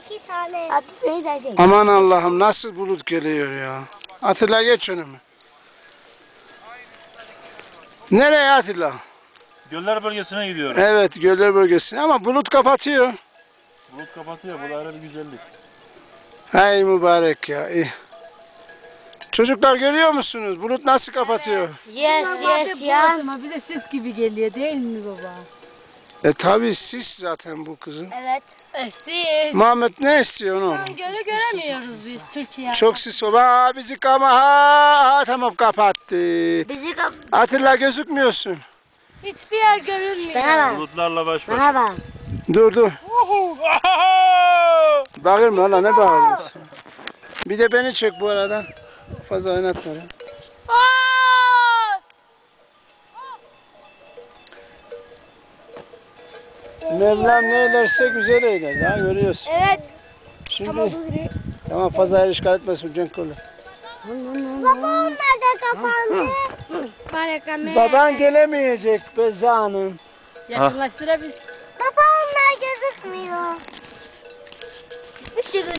2 tane. Abi beni de çek. Aman Allah'ım nasıl bulut geliyor ya. Atilla geç önüme. Nereye Atilla? Göller bölgesine gidiyoruz. Evet göller bölgesine ama bulut kapatıyor. Bulut kapatıyor. Bu da ayrı bir güzellik. Hey mübarek ya. İyi. Çocuklar görüyor musunuz? Bulut nasıl kapatıyor? Yes ya. Ama bize sis gibi geliyor değil mi baba? Tabi sis zaten bu kızın. Evet. Sis. Muhammed ne istiyor oğlum? Gölü göremiyoruz biz Türkiye. Çok sis var. Aa, bizi ha, tamam kapattı. Bizi Atilla gözükmüyorsun. Hiçbir yer görünmüyor. Bana bak. Bulutlarla baş başa. Bana bak. Dur. Bağırma lan ne bağırıyorsun? Bir de beni çek bu arada. Fazla oynatma lan. Mevlam ne eylerse güzel eyler. Ya görüyorsun. Evet. Şimdi Tamam tamam fazla yer işgal etmesin Cenk oğlum. Baba onlar da kapandı. Baban gelemeyecek Beza Hanım. Yakınlaştırabilir. Baba onlar gözükmüyor.